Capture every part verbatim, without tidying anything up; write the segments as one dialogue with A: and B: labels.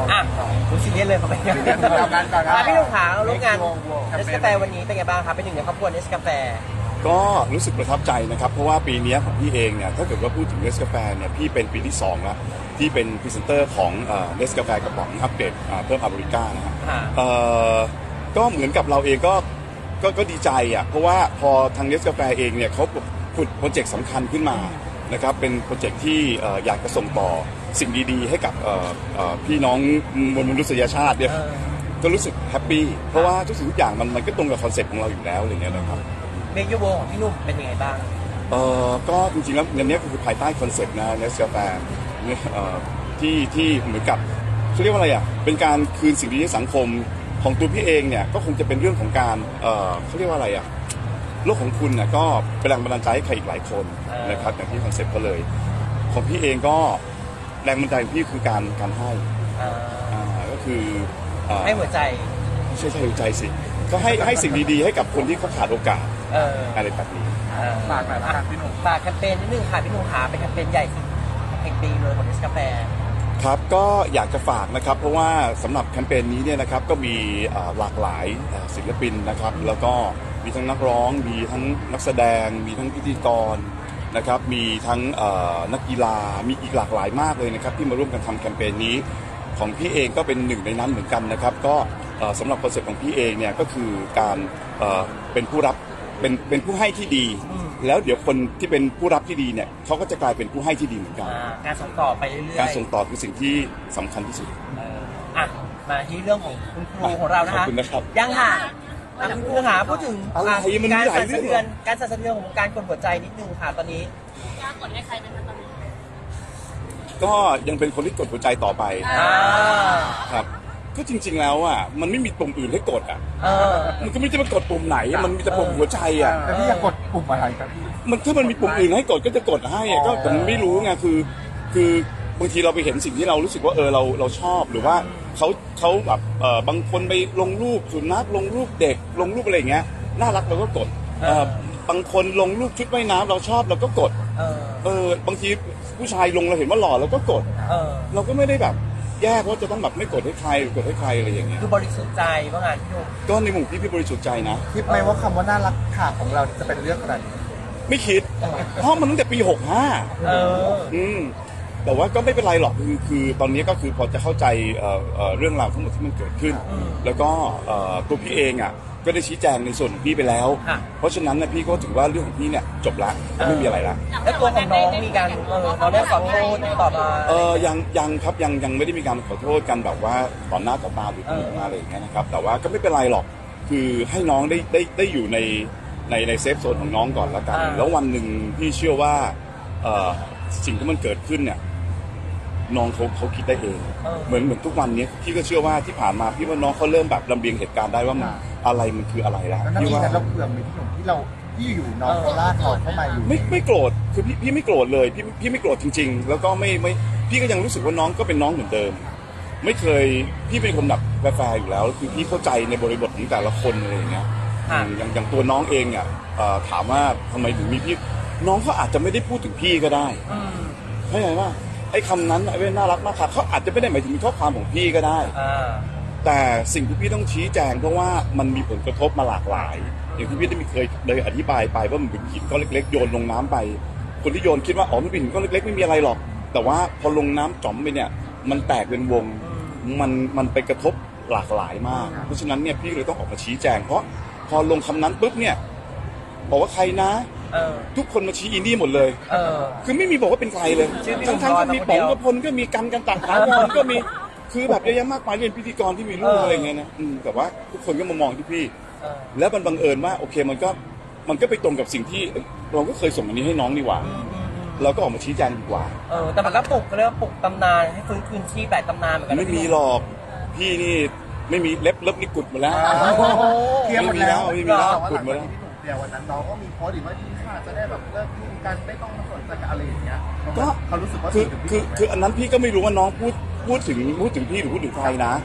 A: อ่ะคุณซีเรียสเลยเขาไปงานพี่หนุ่มขาร่วมงานเนสกาแฟวันนี้เป็นไงบ้างครับเป็นหนึ่งในครอบครัวเนสกาแฟ
B: ก็รู้สึกประทับใจนะครับเพราะว่าปีนี้ของพี่เองเนี่ยถ้าเกิดว่าพูดถึงเนสกาแฟเนี่ยพี่เป็นปีที่สองแล้วที่เป็นพรีเซนเตอร์ของเนสกาแฟกระป๋องอัปเดตเพิ่มอเมริกานะฮะก็เหมือนกับเราเองก็ก็ก็ดีใจอ่ะเพราะว่าพอทางเนสกาแฟเองเนี่ยเขาผุดโปรเจกต์สำคัญขึ้นมานะครับเป็นโปรเจกต์ที่อยากจะส่งต่อสิ่งดีๆให้กับพี่น้องมวลมนุษยชาติเนี่ยก็รู้สึกแฮปปี้เพราะว่าทุกสิ่งทุกอย่างมันมันก็ตรงกับคอนเซ็ปต์ของเราอยู่แล้วอะไรเงี้ยนะครับ
A: เมยูโวของพี่นุ่มเป็นยังไงบ้าง
B: เออก็จริงๆแล้วเรื่องนี้คือภายใต้คอนเซ็ปต์นะเนสกาแฟที่ที่เหมือนกับเขาเรียกว่าอะไรอ่ะเป็นการคืนสิ่งดีให้สังคมของตัวพี่เองเนี่ยก็คงจะเป็นเรื่องของการเออเขาเรียกว่าอะไรอ่ะโลกของคุณน่ะก็เป็นแรงบันดาลใจให้ใครอีกหลายคนนะครับอย่างที่คอนเซ็ปต์ก็เลยของพี่เองก็แรงบันดาลใจของพี่คือการการให้อ่าก็คือ
A: ให้หัวใจ
B: ใช่ใช่หัวใจสิก็ให้ให้สิ่งดีๆให้กับคนที่เขาขาดโอกาสอะไรแบบนี้
A: ฝากหน่อยนะครับพี่หนุ่มฝากแคมเปญนิดนึงค่ะพี่หนุ่มขาเป็นแคมเปญใหญ่สุดแห่งปีเลยของเนสกาแฟ
B: ครับก็อยากจะฝากนะครับเพราะว่าสำหรับแคมเปญนี้เนี่ยนะครับก็มีหลากหลายศิลปินนะครับแล้วก็มีทั้งนักร้องมีทั้งนักแสดงมีทั้งพิธีกรนะครับมีทั้งนักกีฬามีอีกหลากหลายมากเลยนะครับที่มาร่วมกันทำแคมเปญนี้ของพี่เองก็เป็นหนึ่งในนั้นเหมือนกันนะครับก็สำหรับคอนเซ็ปต์ของพี่เองเนี่ยก็คือการเป็นผู้รับเป็นเป็นผู้ให้ที่ดีแล้วเดี๋ยวคนที่เป็นผู้รับที่ดีเนี่ยเขาก็จะกลายเป็นผู้ให้ที่ดีเหมือนกัน
A: การส่งต่อไปเรื่อยๆ
B: การส่งต่อคือสิ่งที่สำคัญที่สุด
A: อ่ะมาที่เรื่องของคุณครูของเรานะคะ
B: ขอบคุณนะครับ
A: ยังค่ะคุณครูหาพูดถึงการสั่นสะเทือนการสั่นสะเทือนของการกดหัวใจนิดนึงค่ะตอนนี้
C: การกดให้ใครเป็นตอนนี้
B: ก็ยังเป็นคนที่กดหัวใจต่อไปครับก็จริงๆแล้วอ่ะมันไม่มีปุ่มอื่นให้กดอ่ะมันก็ไม่จะมากดปุ่มไหนมันมีแต่ปุ่มหัวใจอ่ะ
D: แต่พี่อยากกดปุ่มอะไรครับพี่
B: มันถ้ามันมีปุ่มอื่นให้กดก็จะกดให้ก็ผมไม่รู้ไงคือคือบางทีเราไปเห็นสิ่งที่เรารู้สึกว่าเออเราเราชอบหรือว่าเขาเขาแบบเออบางคนไปลงรูปสุนัขลงรูปเด็กลงรูปอะไรอย่างเงี้ยน่ารักเราก็กดบางคนลงรูปชุดว่ายน้ำเราชอบเราก็กดเออบางทีผู้ชายลงเราเห็นว่าหล่อเราก็กดเราก็ไม่ได้แบบแยกว่าจะต้องแบบไม่กดให้ใครหรือกดให้ใครอะไรอย่างเงี้ย
A: คือบริสุทธิ์ใจว่างานพี่นุ่ม
B: ก็ในมุมพี่พี่บริสุทธิ์ใจนะ
D: คิดไหมว่าคำว่าน่ารักค่ะของเราจะเป็นเรื่องขนาดนี้
B: ไม่คิดเพราะมันตั้งแต่ปีหกห้าเอออืมแต่ว่าก็ไม่เป็นไรหรอกคือคือตอนนี้ก็คือพอจะเข้าใจเอ่อเอ่อเรื่องราวทั้งหมดที่มันเกิดขึ้นแล้วก็เอ่อตัวพี่เองอ่ะก็ได้ชี้แจงในส่วนของพี่ไปแล้วเพราะฉะนั้นนะพี่ก็ถือว่าเรื่องของพี่เนี่ยจบละไม่มีอะไรละ
A: แล้วตัวของน้องมีการเออเราได้ขอโทษต่อมา
B: เออยังยังครับยังยังไม่ได้มีการขอโทษกันแบบว่าต่อหน้าต่อตาหรือต่อหน้าอะไรอย่างเงี้ยนะครับแต่ว่าก็ไม่เป็นไรหรอกคือให้น้องได้ได้ได้อยู่ในในในเซฟโซนของน้องก่อนละกันแล้ววันหนึ่งพี่เชื่อว่าเออสิ่งที่มันเกิดขึ้นเนี่ยน้องเขาเขาคิดได้เองเหมือนเหมือนทุกวันนี้พี่ก็เชื่อว่าที่ผ่านมาพี่ว่าน้องเขาเริ่มแบบลำเลียงเหตุการณ์ได้ว่ามันอะไรมันคืออะไรแล้ว
D: พี่ว่าเราเผื่อมีที่หนุ่มที่เราที่อยู่น้องเขาลากเขาเข้ามาอยู่
B: ไม่ไม่โกรธคือพี่พี่ไม่โกรธเลยพี่พี่ไม่โกรธจริงๆแล้วก็ไม่ไม่พี่ก็ยังรู้สึกว่าน้องก็เป็นน้องเหมือนเดิมไม่เคยพี่เป็นคนแบบแฟร์อยู่แล้วคือพี่เข้าใจในบริบทของแต่ละคนอะไรอย่างเงี้ยอย่างอย่างตัวน้องเองอ่ะถามว่าทำไมถึงมีพี่น้องเขาอาจจะไม่ได้พูดถึงพี่ก็ได้เข้าใจว่าไอ้คำนั้นไอ้เว้นน่ารักมากค่ะเขาอาจจะไม่ได้หมายถึงข้อความของพี่ก็ได้แต่สิ่งที่พี่ต้องชี้แจงเพราะว่ามันมีผลกระทบมาหลากหลายอย่างที่พี่ได้มีเคยเลยอธิบายไปว่ามันเป็นหินก้อนเล็กๆโยนลงน้ำไปคนที่โยนคิดว่าอ๋อมันเป็นหินก้อนเล็กๆไม่มีอะไรหรอกแต่ว่าพอลงน้ำจ๋อมไปเนี่ยมันแตกเป็นวงมันมันไปกระทบหลากหลายมากเพราะฉะนั้นเนี่ยพี่เลยต้องออกมาชี้แจงเพราะพอลงคำนั้นปุ๊บเนี่ยบอกว่าใครนะทุกคนมาชี้อินดี้หมดเลยคือไม่มีบอกว่าเป็นใครเลยทั้งทั้งก็มีป๋องกระพลก็มีกันกันต่างๆคนก็มีคือแบบเยอะแยะมากมายเรียนพิธีกรที่มีลูกอะไรเงี้ยนะแต่ว่าทุกคนก็มามองที่พี่แล้วมันบังเอิญว่าโอเคมันก็มันก็ไปตรงกับสิ่งที่เราก็เคยส่งอันนี้ให้น้องนี่หว่าเราก็ออกมาชี้แจงดีกว่า
A: เออแต่มันก็ปลุกเรียกว่าปลุกตำนานให้ฟื้นคืนชีพแบบตำนานเหมือนกัน
B: ไม่มีหรอกพี่นี่ไม่มีเล็บเล็บนี่กุดหมดแล้ว
D: เคลียร์หมดแล้ว
B: ไม่มีแล้วกุดหมดแล้ว
D: เดี๋ยววันนั้นน้องก็มีโพสต์อีกว่าที่ค่ะจะได้แบบเลิกยุ่งกันไม่ต้องมาสนใจกับอะไรอย่างเงี้ยก็เขารู้สึกว่า
B: คือคือคืออันนั้นพี่ก็ไม่รู้ว่าน้องพูดพูดถึงพูดถึงพี่หรือพูดถึงใครนะ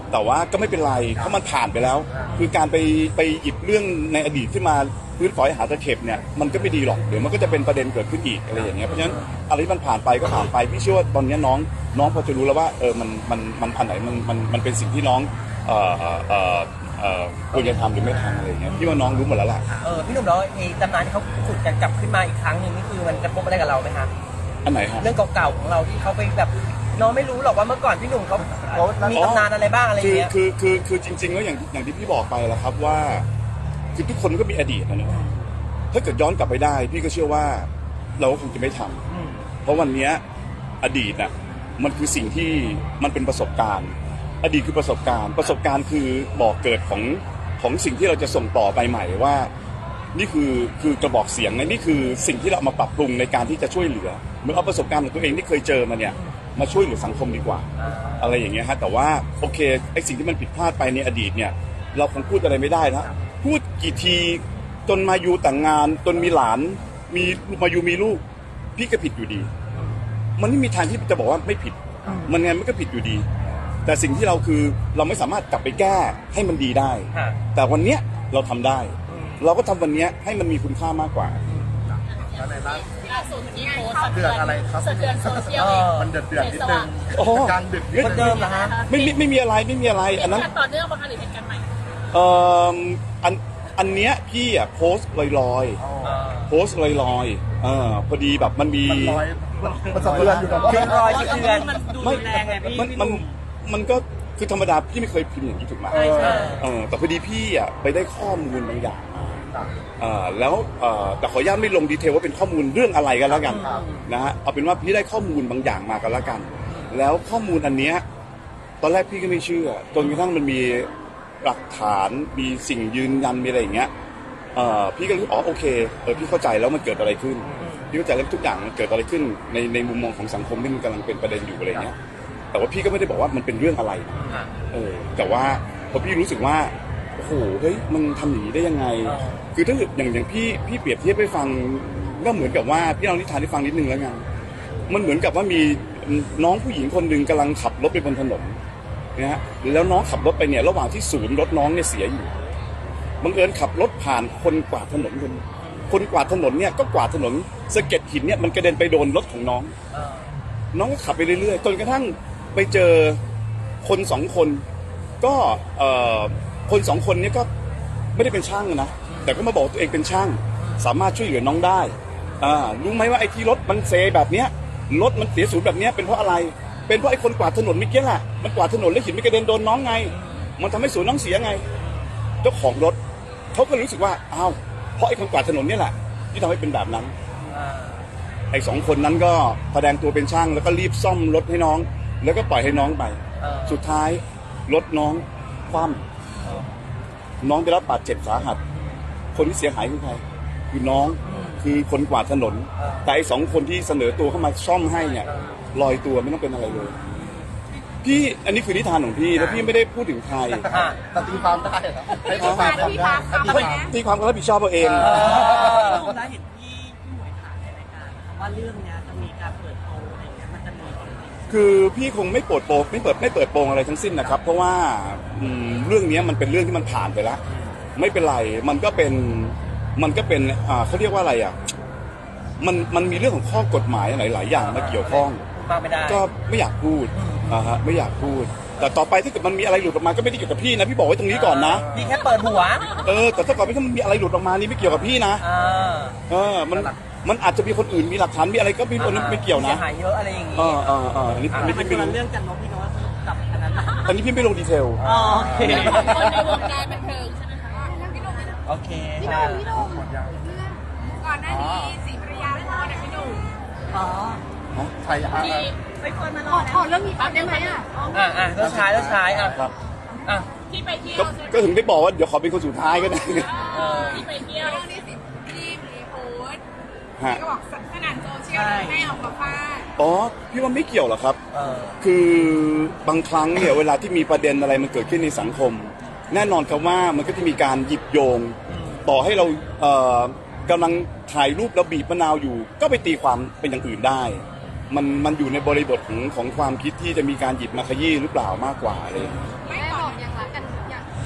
B: แต่ว่าก็ไม่เป็นไรเพราะมันผ่านไปแล้ว คือการไปไปหยิบเรื่องในอดีตขึ้นมาพื้นฝอยหาตะเข็บเนี่ยมันก็ไม่ดีหรอกเดี๋ยวมันก็จะเป็นประเด็นเกิดขึ้นอีกอะไรอย่างเงี้ยเพราะฉะนั้นอะไรที่มันผ่านไปก็ผ่านไปพี่เชื่อว่าตอนนี้น้องน้องพอจะรู้แล้วว่าเออมันมันมันอันไหนมันมันมันเป็นสิ่งที่น้องเอ่อเอ่อเอ่อควรจะทำหรือไม่ทำอะไรอย่างเงี้ยพี่ว่าน้องรู้หมดแล้วล่ะ
A: เออพี่หนุ่มแล้วไอ้ตำนานที่เขาขุดกันกลับขึ้นมาอีกครั้งหนึ่งนี่คือมันกระทบอะไรกับเราไหมคะ
B: อันไหนฮะ
A: เรื่องเก่าๆของเราที่เขาไปแบบน้องไม่รู้หรอกว่าเมื่อก่อนพี่หนุ่มเขามีตำนานอะไรบ้างอะไรอย่างเงี้ย
B: คือคือคือคือจริงๆแล้วอย่างอย่างที่พี่บอกไปแล้วครับว่าคือทุกคนก็มีอดีตนะเนอะถ้าเกิดย้อนกลับไปได้ พี่ก็เชื่อว่าเราก็คงจะไม่ทำเพราะวันเนี้ยอดีตน่ะมันคือสิ่งที่มันเป็นประสบการณ์ อดีตคือประสบการณ์ ประสบการณ์คือบอกเกิดของของสิ่งที่เราจะส่งต่อไปใหม่ว่า นี่คือคือกระบอกเสียงนะนี่คือสิ่งที่เราเอามาปรับปรุงในการที่จะช่วยเหลือเหมือนเอาประสบการณ์ของตัวเองที่เคยเจอมาเนี่ยมาช่วยเหลือสังคมดีกว่า อะไรอย่างเงี้ยฮะแต่ว่าโอเคไอ้สิ่งที่มันผิดพลาดไปในอดีตเนี่ยเราคงพูดอะไรไม่ได้นะพูดกี่ทีจนมาอยู่แต่งงานจนมีหลานมีมาอยู่มีลูกพี่ก็ผิดอยู่ดี มันไม่มีทางที่จะบอกว่าไม่ผิด มันไงมันก็ผิดอยู่ดี แต่สิ่งที่เราคือเราไม่สามารถกลับไปแก้ให้มันดีได้ แต่วันเนี้ยเราทำได้ เราก็ทำวันเนี้ยให้มันมีคุณค่ามากกว่า
D: แล้วในล่า
C: ล่าสุดที่โพสต์
D: เดือดอะไรครับ
C: สะเทือนโซเชียล
A: เออ
D: มันเดือดเดือดนิดนึง
B: โอ้โห
D: กลางดึกนิด
A: คน
D: นึ
A: เดิ
D: ง
A: มเหรอฮะ
B: ไม่ไม่ไม่มีอะไรไม่มีอะไร
C: อั
B: อั
C: น
B: น
C: นั้
B: นั้น น
C: ต่อเนื่องบางอันหรือเหตุการณ์ใหม่
B: เอ่ออันอันเนี้ยพี่อ่ะโพสต์ลอยลอยๆ
D: อ๋อ
B: โพสต์ลอยลอยๆเออพอดีแบบมันมี
D: มันลอยมันสะเทือนอยู่กับ
A: คือรอยสะเทือน
C: มันดู
B: ไม่
C: รุนแรงไงพี่
B: มันมันมันก็คือธรรมดาพี่ไม่เคยพิมพ์อย่างนี้ถูกไหม
A: ใช่ใช่
B: เออแต่พอดีพี่อ่ะไปได้ข้อมูลบางอย่างมาเอ่อแล้วเอ่อแต่ขออนุญาตไม่ลงดีเทลว่าเป็นข้อมูลเรื่องอะไรกันแล้วกันนะฮะเอาเป็นว่าพี่ได้ข้อมูลบางอย่างมากันแล้วกัน แล้วข้อมูลอันเนี้ยตอนแรกพี่ก็ไม่เชื่อจนกระทั่งมันมีหลักฐานมีสิ่งยืนยันมีอะไรอย่างเงี้ยเอ่อพี่ก็รู้อ๋อโอเคเออพี่เข้าใจแล้วมันเกิดอะไรขึ้นพี่เข้าใจแล้วทุกอย่างมันเกิดอะไรขึ้นในในมุมมองของสังคมที่มันกำลังเป็นประเด็นอยู่อะไรเงี้ยแต่ว่าพี่ก็ไม่ได้บอกว่ามันเป็นเรื่องอะไรเออแต่ว่าพอพี่รู้สึกว่าโอ้โหเฮ้ยมันทำอย่างนี้ได้ยังไง คือถ้าเกิดอย่างอย่างพี่พี่เปรียบเทียบให้ฟังก็เหมือนกับว่าพี่เอานิทานให้ฟังนิดนึงแล้วกันมันเหมือนกับว่ามีน้องผู้หญิงคนหนึ่งกำลังขับรถไปบนถนนนะฮะแล้วน้องขับรถไปเนี่ยระหว่างที่ศูนย์รถน้องเนี่ยเสียอยู่บังเอิญขับรถผ่านคนกวาดถนนคนคนกวาดถนนเนี่ยก็กวาดถนนสะเก็ดหินเนี่ยมันกระเด็นไปโดนรถของน้อง น้องก็ขับไปเรื่อยๆจนกระทั่งไปเจอคนสองคนก็เอ่อคนสองคนนี้ก็ไม่ได้เป็นช่างนะแต่ก็มาบอกตัวเองเป็นช่างสามารถช่วยเหลือน้องได้อ่ารู้ไหมว่าไอ้ที่รถมันเซแบบเนี้ยรถมันเสียศูนย์แบบเนี้ยเป็นเพราะอะไรเป็นเพราะไอ้คนกวาดถนนเมื่อกี้แหละมันกวาดถนนแล้วหินมันกระเด็นโดนน้องไงมันทำให้ศูนย์น้องเสียไงเจ้าของรถเขาก็รู้สึกว่าอ้าวเพราะไอ้คนกวาดถนนเนี่ยแหละที่ทำให้เป็นแบบนั้นไอ้สองคนนั้นก็แสดงตัวเป็นช่างแล้วก็รีบซ่อมรถให้น้องแล้วก็ปล่อยให้น้องไปสุดท้ายรถน้องคว่ำน้องได้รับบาดเจ็บสาหัสคนที่เสียหายคือใครคือน้องคือคนกวาดถนนแต่ไอ้สองคนที่เสนอตัวเข้ามาซ่อมให้เนี่ยลอยตัวไม่ต้องเป็นอะไรเลยพี่อันนี้คือนิทานของพี่แล้วพี่ไม่ได้พูดถึงใคร
D: แต่ตีความได้เหรอให้ตีความได้
C: ตีความได้
D: ตีความ
B: ตีความก็รับผิดชอบเอาเอง
E: ผมได้เห็นพี่พี่หมวยถามในรายการนะครับว่าเรื่องเนี้ยจะมีการเปิดโปงอะไรเงี้ยมันจะมีจริง
B: คือพี่คงไม่เปิดโปงไม่เปิดไม่เปิดโปงอะไรทั้งสิ้นนะครับ เพราะว่าอืมเรื่องนี้มันเป็นเรื่องที่มันผ่านไปแล้วไม่เป็นไรมันก็เป็นมันก็เป็นอ่าเขาเรียกว่าอะไรอ่ะมันมันมีเรื่องของข้อกฎหมายหลายๆอย่างมาเกี่ยวข้อง
A: มากไม่ได้
B: ก็ไม่อยากพูดอ่าฮะไม่อยากพูด แต่ต่อไปถ้าเกิดมันมีอะไรหลุดออกมาก็ไม่ได้เกี่ยวกับพี่นะพี่บอกไว้ตรงนี้ก่อนนะ
A: พี่แค่เปิดหัว
B: เออแต่ถ้าเกิดมันมีอะไรหลุดออกมานี่ไม่เกี่ยวกับพี่นะ
A: อ่า
B: เออมันมันอาจจะมีคนอื่นมีหลักฐานมีอะไรก็ไม่รู้ไม่เกี่ยวนะ
A: เสียหายเยอะอะไรอย่างงี้
B: เออเออเอออันนี้อัน
E: ๆ
B: นี้
E: มัน
B: พี่
E: คน
B: ไม่
E: ละ
B: รู้
E: เรื่องกันเนาะพี่เนาะกับอันนั้นนะ
B: อันนี้พี่ไม่ลงดีเทล
E: อ๋อโอเค
C: คนในวงการบันเทิงใช่ไหมคะพี่หนุ่ม
A: โอเค
C: พี่หนุ่มพี่หนุ่มก่อนหน้านี้สีภรรยาโพสต์อะพี่หนุ่ม
E: อ๋อ
D: ใช่ฮะ
C: ที่ไปคนมารอขอเรื่องนี้แป๊บได้ไหมอ่ะ
A: อ่ะอ่ะแล้วชายแล้วชายอ่ะ
B: ครับ
A: อ่ะ
C: ที่ไปเที่ยว
B: ก็ก็ถึงได้บอกว่าเดี๋ยวขอเป็นคนสุดท้ายก็ได้
C: เออที่ไปเที่ยวเรื่องนี้สิที่มีโพสต์
B: ฮะ
C: ก็บอกสนั่นโซเชียลแม่ออกมาฟาด
B: อ๋อพี่ว่าไม่เกี่ยวหรอกครับ
A: เออ
B: คือบางครั้งเนี่ยเวลาที่มีประเด็นอะไรมันเกิดขึ้นในสังคม แน่นอนครับว่ามันก็จะมีการหยิบโยง ต่อให้เราเอ่อกำลังถ่ายรูปแล้วบีบมะนาวอยู่ ก็ไปตีความเป็นอย่างอื่นได้ มันมันอยู่ในบริบทของของความคิดที่จะมีการหยิบมาขยี้หรือเปล่ามากกว่าอะไรอย่างเลย
C: ไม่ก่อน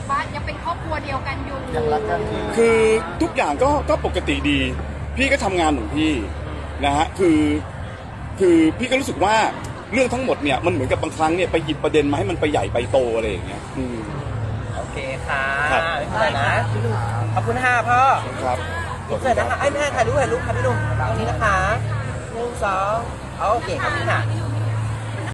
C: ว่ายังเป็นครอบครัวเดียวกันอยู่
D: ยังรักกันดี
B: คือทุกอย่างก็ก็ปกติดี พี่ก็ทำงานของพี่นะฮะคือคือพี่ก็รู้สึกว่าเรื่องทั้งหมดเนี่ยมันเหมือนกับบางครั้งเนี่ยไปหยิบประเด็นมาให้มันไปใหญ่ไปโตอะไรอย่างเงี้ยอืม
A: โอเคค่ะ
B: ครับ
A: ไม่เป็นไรนะขอบคุณค่ะพ่อ
B: ครับ
A: เสร็จนะคะไอ้ยไม่ให้ถ่ายรูปถ่ายรูปค่ะพี่หนุ่มตรงนี้นะคะหนึ่งสองเอาโอเคครับพี่ค่ะ